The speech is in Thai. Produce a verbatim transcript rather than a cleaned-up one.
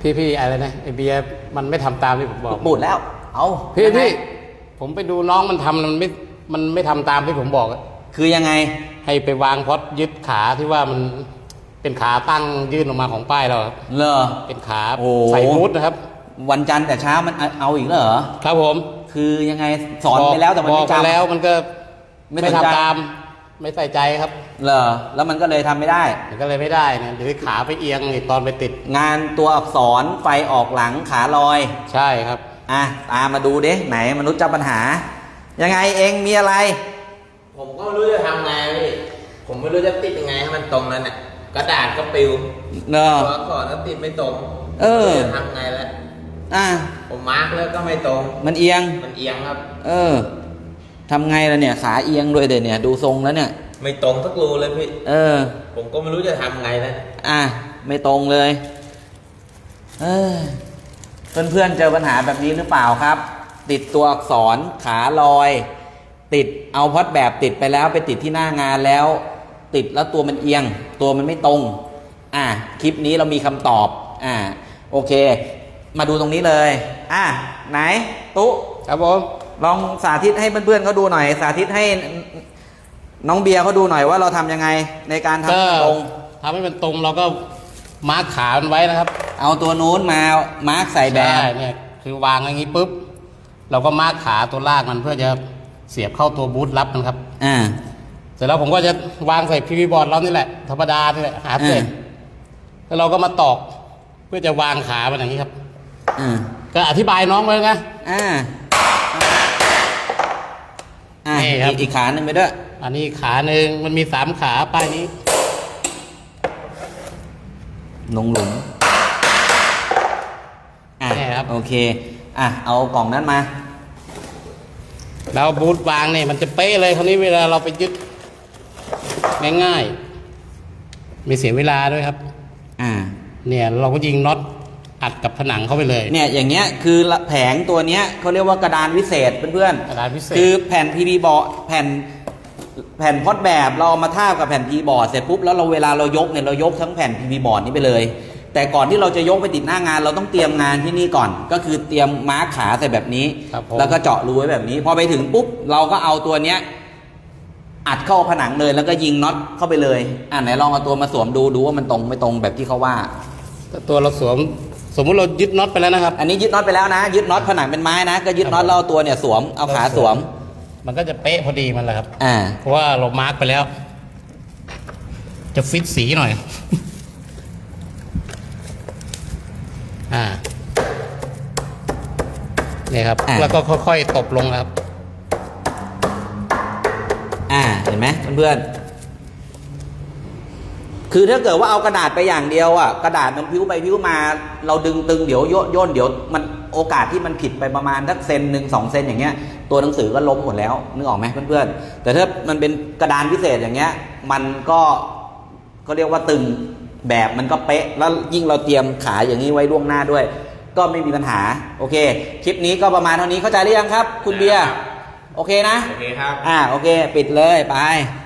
พี่พี่อะไรนะไอเบียร์มันไม่ทำตามที่ผมบอกบูดแล้วเอาพี่พี่ผมไปดูน้องมันทำมันไม่มันไม่ทำตามที่ผมบอกคือยังไงให้ไปวางพอดยึดขาที่ว่ามันเป็นขาตั้งยื่นออกมาของป้ายเราเหรอเป็นขาใส่มูดนะครับวันจันทร์แต่เช้ามันเอาอีกแล้วเหรอครับผมคือยังไงสอนไปแล้วแต่มันไม่จำแล้วมันก็ไม่ทำตามไม่ใส่ใจครับเหรอแล้วมันก็เลยทำไม่ได้มันก็เลยไม่ได้เนี่ยหรือขาไปเอียงตอนไปติดงานตัวอักษรไฟออกหลังขาลอยใช่ครับอ่ะตามมาดูดิไหนมนุษย์เจ้าปัญหายังไงเองมีอะไรผมก็ไม่รู้จะทำไงพี่ผมไม่รู้จะติดยังไงให้มันตรงนั้นเนี่ยกระดาษก็ปลิวเนอะตัวอักษรก็ติดไม่ตรงเออจะทำไงแล้วอ่ะผมมาร์กแล้วก็ไม่ตรงมันเอียงมันเอียงครับเออทำไงล่ะเนี่ยขาเอียงด้วยเดี๋ยวเนี่ยดูทรงแล้วเนี่ยไม่ตรงสักรูเลยพี่เออผมก็ไม่รู้จะทำไงแล้วอ่ะไม่ตรงเลยเออเพื่อนๆเจอปัญหาแบบนี้หรือเปล่าครับติดตัวอักษรขาลอยติดเอาพอดแบบติดไปแล้วไปติดที่หน้างานแล้วติดแล้วตัวมันเอียงตัวมันไม่ตรงอ่ะคลิปนี้เรามีคำตอบอ่ะโอเคมาดูตรงนี้เลยอ่ะไหนตุ๊ครับผมลองสาธิตให้เพื่อนๆเขาดูหน่อยสาธิตให้น้องเบียร์เขาดูหน่อยว่าเราทำยังไงในการทำให้ตรงทำให้มันตรงเราก็มาร์คขามันไว้นะครับเอาตัวนู้นมามาร์คใส่แบบเนี่ยคือวางอย่างนี้ปุ๊บเราก็มาร์คขาตัวลากมันเพื่อจะเสียบเข้าตัวบูทรับมันครับอ่าเสร็จแล้วผมก็จะวางใส่พีวีบอร์ดเรานี่แหละธรรมดานี่แหละหาเส้นแล้วเราก็มาตอกเพื่อจะวางขามันอย่างนี้ครับอ่าก็อธิบายน้องเลยนะอ่าอ่าอีกขาหนึ่งไปด้วยอันนี้ขาหนึ่งมันมีสามขาป้ายนี้ลงหลุมอ่ะโอเคอ่ะเอากล่องนั้นมาแล้วบูทวางเนี่ยมันจะเป๊ะเลยคราวนี้เวลาเราไปยึดง่ายๆไม่เสียเวลาด้วยครับอ่าเนี่ยเราก็ยิงน็อตอัดกับผนังเข้าไปเลยเนี่ยอย่างเงี้ยคือแผงตัวเนี้ยเขาเรียกว่ากระดานวิเศษเพื่อนๆกระดานวิเศษคือแผ่น พี วี บอร์ดแผ่นแผ่นพอดแบบเราเอามาทาบกับแผ่น พี วี บอร์ดเสร็จปุ๊บแล้วเราเวลาเรายกเนี่ยเรายกทั้งแผ่น พี วี บอร์ดนี้ไปเลยแต่ก่อนที่เราจะยกไปติดหน้างานเราต้องเตรียมงานที่นี่ก่อนก็คือเตรียมมาร์คขาใส่แบบนี้แล้วก็เจาะรูไว้แบบนี้พอไปถึงปุ๊บเราก็เอาตัวเนี้ยอัดเข้าผนังเลยแล้วก็ยิงน็อตเข้าไปเลยอ่าไหนลองเอาตัวมาสวมดูดูว่ามันตรงไม่ตรงแบบที่เขาว่าตัวเราสวมสมมุติเรายึดน็อตไปแล้วนะครับอันนี้ยึดน็อตไปแล้วนะยึดน็อตผนังเป็นไม้นะก็ยึดน็อตเราตัวเนี่ยสวมเอาขาสวมมันก็จะเป๊ะพอดีมันแหละครับอ่าเพราะว่าเรามาร์กไปแล้วจะฟิตสีหน่อยอ่าเนี่ยครับแล้วก็ค่อยๆตบลงครับอ่าเห็นไหมเพื่อนๆคือถ้าเกิดว่าเอากระดาษไปอย่างเดียวอ่ะกระดาษมันพิ้วไปพิ้วมาเราดึงตึงเดี๋ยวโยนย่นเดี๋ยวมันโอกาสที่มันผิดไปประมาณสักเซนหนึ่งสองเซนอย่างเงี้ยตัวหนังสือก็ล้มหมดแล้วนึกออกไหมเพื่อนๆแต่ถ้ามันเป็นกระดานพิเศษอย่างเงี้ยมันก็เขาเรียกว่าตึงแบบมันก็เป๊ะแล้วยิ่งเราเตรียมขาอย่างนี้ไว้ล่วงหน้าด้วยก็ไม่มีปัญหาโอเคคลิปนี้ก็ประมาณเท่านี้เข้าใจหรือยังครับคุณเบียร์โอเคนะโอเคครับอ่าโอเคปิดเลยไป